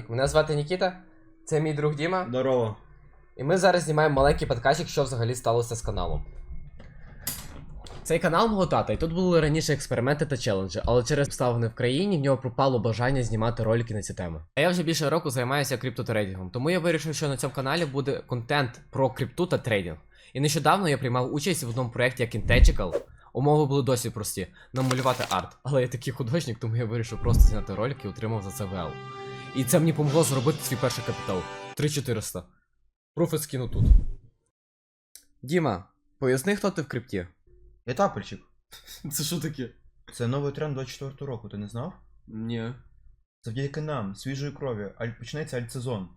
привіт! Мене звати Нікіта, це мій друг Діма. Здорово. І ми зараз знімаємо маленький подкастик, що взагалі сталося з каналом. Цей канал мого тата, і тут були раніше експерименти та челенджі, але через обставини в країні в нього пропало бажання знімати ролики на ці теми. А я вже більше року займаюся криптотрейдингом, тому я вирішив, що на цьому каналі буде контент про крипту та трейдинг. І нещодавно я приймав участь в одному проєкті як Integral. Умови були досить прості – намалювати арт. Але я такий художник, тому я вирішив просто зняти ролик і отримав за це ВЛ. І це мені помогло зробити свій перший капітал. 3400. Пруфи скину тут. Діма, поясни, хто ти в крипті? Я тапельчик. Це що таке? Це новий тренд 24 року, ти не знав? Ні. Завдяки нам, свіжої крові, почнеться альтсезон.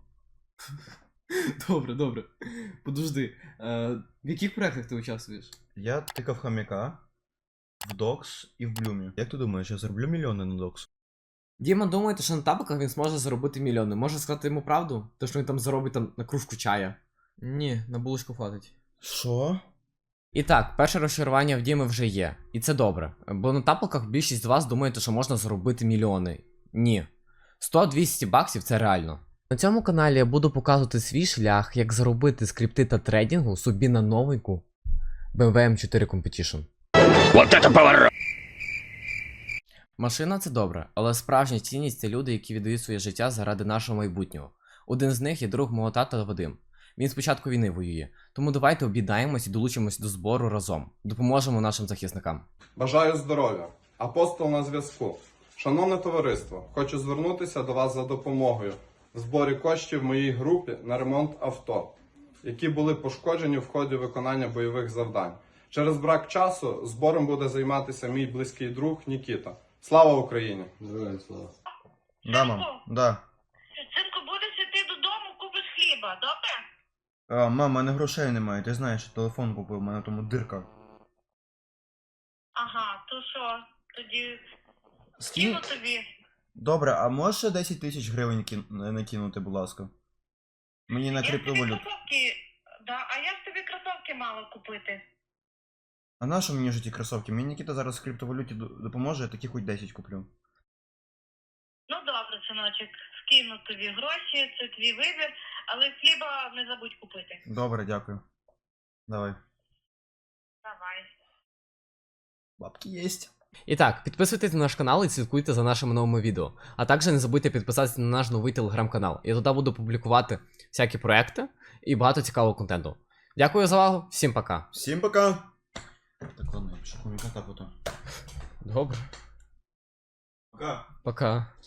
Добре. Подожди. В яких проєктах ти участвуєш? Я тикав хомяка в Докс і в Блюмі. Як ти думаєш, я зароблю мільйони на Докс? Діма думає, що на тапках він зможе заробити мільйони. Може сказати йому правду? То, що він там заробить на кружку чая. Ні, на булочку хватить. Що? І так, перше розчарування в Діми вже є. І це добре. Бо на тапках більшість з вас думаєте, що можна заробити мільйони. Ні. 100-200 баксів це реально. На цьому каналі я буду показувати свій шлях, як заробити з крипти та трейдингу собі на новеньку BMW M4 Competition. Вот это поворот! Машина це добре, але справжня цінність це люди, які віддають своє життя заради нашого майбутнього. Один з них є друг мого тата Вадим. Він з початку війни воює. Тому давайте об'єднаємось і долучимось до збору разом. Допоможемо нашим захисникам. Бажаю здоров'я. Апостол на зв'язку. Шановне товариство, хочу звернутися до вас за допомогою в зборі коштів моїй групі на ремонт авто, які були пошкоджені в ході виконання бойових завдань. Через брак часу збором буде займатися мій близький друг Нікіта. Слава Україні! Героям слава. Да, мам, да. Синку, будеш іти додому, купиш хліба, добре? Мам, у мене грошей немає, ти знаєш, телефон купив, у мене тому дирка. Ага, то що, тоді Скинь? кину тобі. Добре, а можеш ще 10 тисяч гривень накинути, будь ласка? Мені на Я тобі криптовалют. кросовки, да, а я ж тобі кросовки мала купити. А на що мені ж ті кросовки? Мені Нікіта зараз в криптовалюті допоможе, я такі хоч 10 куплю. Ну добре, синочок, скину тобі гроші, це твій вибір, але хліба не забудь купити. Добре, дякую. Давай. Давай. Бабки єсть. І так, підписуйтесь на наш канал і слідкуйте за нашими новими відео. А також не забудьте підписатися на наш новий телеграм-канал. Я туди буду публікувати всякі проекти і багато цікавого контенту. Дякую за увагу, всім пока. Всім пока! Так, ладно, я пишу хомяка так ото. Добре. Пока. Пока.